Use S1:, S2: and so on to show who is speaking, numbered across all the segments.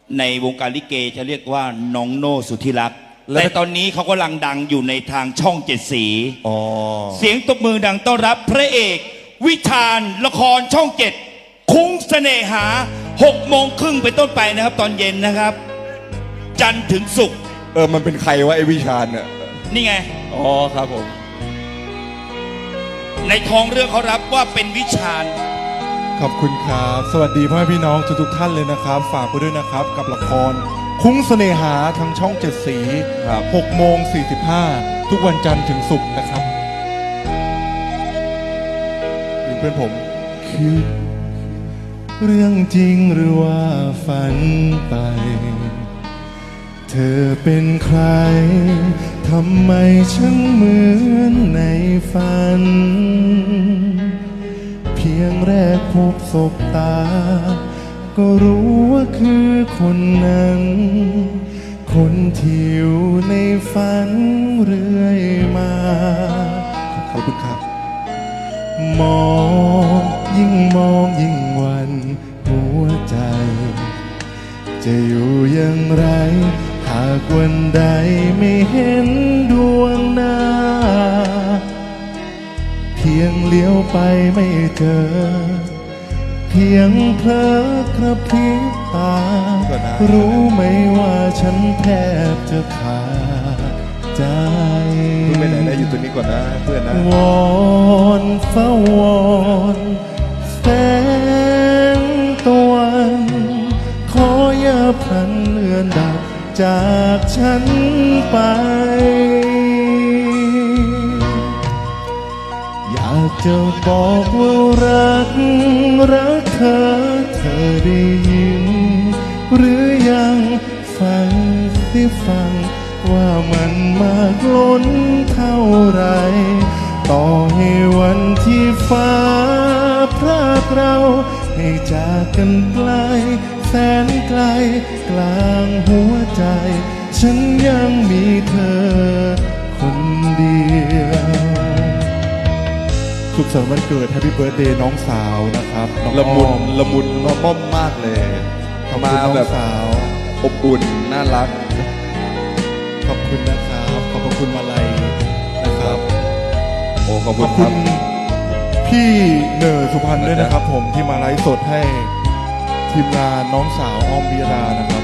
S1: ในวงการลิเกจะเรียกว่าน้องโน่สุธิรักษ์แต่ตอนนี้เขากำลังดังอยู่ในทางช่องเจ็ดสีเสียงตบมือดังต้อนรับพระเอกวิชาญละครช่องเจ็ดคุ้งเสน่หา6:30เป็นต้นไปนะครับตอนเย็นนะครับจันทร์ถึงศุกร์
S2: มันเป็นใครวะไอ้วิชาญเนี่ย
S1: นี่ไง
S2: ครับผม
S1: ในท้องเรื่องเขารับว่าเป็นวิชาญ
S3: ขอบคุณครับสวัสดีพ่อแม่พี่น้องทุกท่านเลยนะครับฝากไปด้วยนะครับกับละครคุ้งเสน่หาทางช่อง7 สี6:45ทุกวันจันทร์ถึงศุกร์นะครับเพื่อนผมคือเรื่องจริงหรือว่าฝันไปเธอเป็นใครทำไมฉันเหมือนในฝันเพียงแรกพบศบตาก็รู้ว่าคือคนนั้นคนที่อยู่ในฝันเรื่อยมาขอบคุณครับมองยิ่งวันหัวใจจะอยู่อย่างไรหากวันใดไม่เห็นดวงหน้าเพียงเลี้ยวไปไม่เจอเพียงเพลอกระพริบตารู้ไหมว่าฉันแทบจะขาดใจ
S2: ไปไหนได้อยู่ตัวนี้ก่อนนะเพื่อนนะ
S3: วอนฟ้าวอนแสงตะวันขออย่าพลันเลือนดับจากฉันไปอยากจะบอกว่ารักเธอได้ยินหรือยังฟังว่ามันมากล้นเท่าไรต่อให้วันที่ฟ้าพรากเราให้จากกันไกลแสนไกลกลางหัวใจฉันยังมีเธอคนเดียวสุขสันต์วันเกิด Happy Birthday น้องสาวนะครับ
S2: ละมุนม่อมมากเลยมาแบบ
S3: สาว
S2: อบอุ่นน่ารัก
S3: ขอบคุณนะครับขอบคุณมาลัยนะครับ
S2: ขอบคุณ
S3: พี่เนอร์สุพรรณด้วยนะครับผมที่มาไลฟ์สดให้ทีมงานน้องสาวออมวีรานะครับ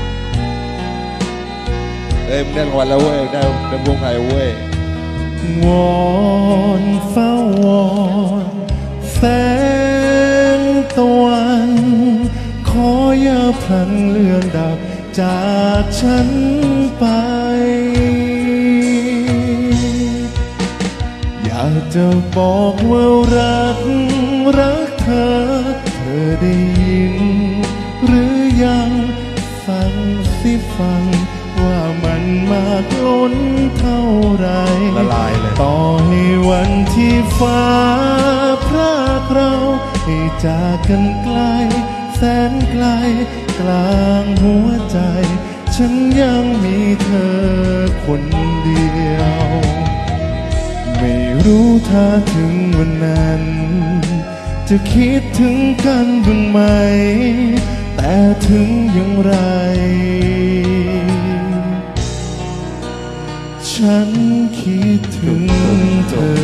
S2: มึงได้รางวัลแล้วเว้ยได้วงไทยเว้
S3: ยวอนฟ้าวอนแสงตะวันขออย่าพลันเลือนดับจากฉันไปอยากจะบอกว่ารักเธอได้ยินหรือยังฟังว่ามันมากล้นเท่าไร
S2: ละลายเลย
S3: ต่อให้วันที่ฟ้าพรากเราให้จากกันไกลแสนไกลกลางหัวใจฉันยังมีเธอคนเดียวไม่รู้ถ้าถึงวันนั้นจะคิดถึงกันบ้างไหมแต่ถึงอย่างไรฉันคิดถึงเธอ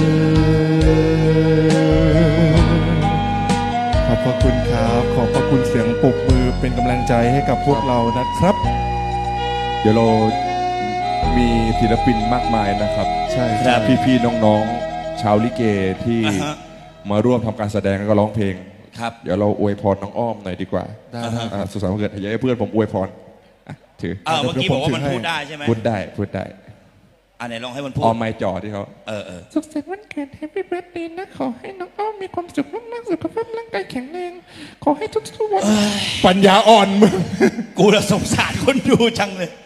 S3: ขอบพระคุณครับขอบพระคุณเสียงปรบมือเป็นกำลังใจให้กับพวกเรานะครับ
S2: เดี๋ยวเรามีศิลปินมากมายนะครับ
S3: ใช่
S2: พี่น้องๆชาวลิเกที่มาร่วมทำการแสดงแล้วก็ร้องเพลง
S1: ครับ
S2: เดี๋ยวเราอวยพรน้องอ้อมหน่อยดีกว่าสุขสันต์วันเกิดให้เพื่อนผมอวยพรถือ
S1: เมื่อกี้บอกว่ามันพูดได้ใช่ไหม
S2: พูดได้
S1: ไหนลองให้มันพูด
S2: ออมไม้จ่อที่เขา
S4: สุขสันต์วันเกิด Happy Birthday นะขอให้น้องอ้อมมีความสุขมากๆสุขภาพร่างกายแข็งแรงขอให้ทุกๆวัน
S3: ปัญญาอ่อนมึง
S1: กูละสงสารคนดูจังเลย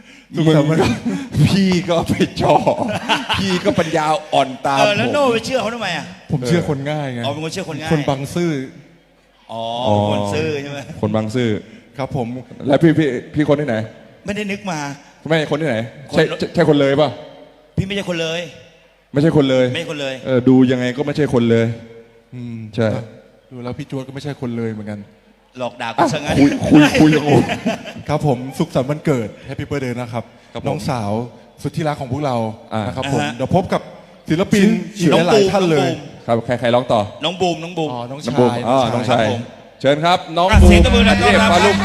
S2: พี่ก็ไปจ่อพี่ก็ปัญญาอ่อนตาม
S1: แล้วโน่ไปเชื่อเขาทำไม
S3: ผมเชื่อคนง่ายไง
S1: เป็นคนเชื่อคนง่าย
S3: คนบางซื่อ
S1: คนซื่อใช่ไหม
S2: คนบางซื่อ
S3: ครับผม
S2: แล้วพี่คนที่ไหน
S1: ไม่ได้นึกมา
S2: ไม่คนที่ไหนใช่คนเลยป่ะ
S1: พี่ไม่ใช่คนเลย
S2: ไม่ใช่คนเลย
S1: ไม่คนเลย
S2: ดูยังไงก็ไม่ใช่คนเลย
S3: ใช่ดูแล้วพี่จวดก็ไม่ใช่คนเลยเหมือนกัน
S1: หลอกด่ากูซะงั้น
S2: คุยกับโอม
S3: ครับผมสุขสันต์วันเกิดแฮปปี้เบิร์ดเดย์นะครับ
S2: ครับผม
S3: น้องสาวสุดที่รักของพวกเรา
S2: อ่าน
S3: นะครับผม
S1: อ่าฮะ
S3: เดี๋ยวพบกับศิลปินอีก
S1: น้อง
S3: หลาย
S1: บูม
S3: ๆท่านเลย
S2: ครับใครร้องต่อ
S1: น้องบูมน้องบูม
S3: อ๋อน้อง
S2: น้อง
S3: ชา
S2: บูม
S3: ย
S2: น้อง
S1: ครั
S2: ชาย
S1: บผม
S2: เชิญครับ น้อง
S1: อ่ะ
S2: บู
S1: เสียง
S2: ม
S1: ตบมือดังต้อนรับ
S2: ฟ้าลุ่ม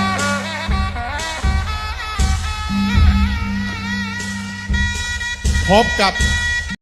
S3: พบกับ